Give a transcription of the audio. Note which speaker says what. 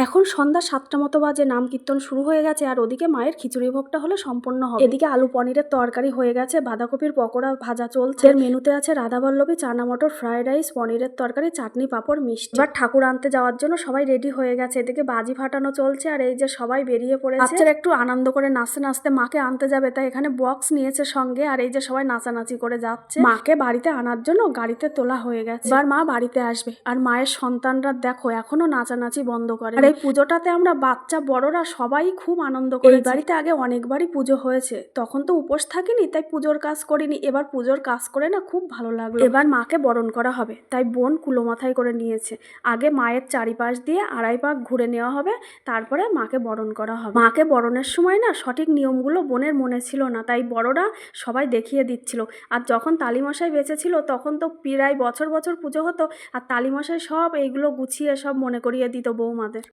Speaker 1: এখন সন্ধ্যা 7টা মতো বাজে, নাম কীর্তন শুরু হয়ে গেছে আর ওদিকে মায়ের খিচুড়ি ভোগটা হলে সম্পন্ন হবে। এদিকে আলু পনিরের তরকারি হয়ে গেছে, বাঁধাকপির পকোড়া ভাজা চলছে, এর মেনুতে আছে রাধাবল্লভী, চানা মটর, ফ্রাইড রাইস, পনিরের তরকারি, চাটনি, পাঁপড়, মিষ্টি। এবার ঠাকুর আনতে যাওয়ার জন্য সবাই রেডি হয়ে গেছে, এদিকে বাজি ফাটানো চলছে আর এই যে সবাই বেরিয়ে পড়েছে। বাচ্চারা একটু আনন্দ করে নাচতে নাচতে মাকে আনতে যাবে, তাই এখানে বক্স নিয়েছে সঙ্গে আর এই যে সবাই নাচানাচি করে যাচ্ছে। মাকে বাড়িতে আনার জন্য গাড়িতে তোলা হয়ে গেছে, এবার মা বাড়িতে আসবে। আর মায়ের সন্তানরা দেখো এখনো নাচানাচি বন্ধ করে। আর এই পুজোটাতে আমরা বাচ্চা বড়রা সবাই খুব আনন্দ করি। এই বাড়িতে আগে অনেকবারই পুজো হয়েছে, তখন তো উপোস থাকিনি, তাই পুজোর কাজ করিনি। এবার পুজোর কাজ করে না খুব ভালো লাগলো। এবার মাকে বরণ করা হবে, তাই বোন কুলো মাথায় করে নিয়েছে। আগে মায়ের চারিপাশ দিয়ে 2.5 পাক ঘুরে নেওয়া হবে, তারপরে মাকে বরণ করা হবে। মাকে বরণের সময় না সঠিক নিয়মগুলো বোনের মনে ছিল না, তাই বড়রা সবাই দেখিয়ে দিচ্ছিল। আর যখন তালিমশাই বেঁচে ছিল তখন তো প্রায় বছর বছর পুজো হতো, আর তালিমশাই সব এইগুলো গুছিয়ে সব মনে করিয়ে দিত বৌমাদের।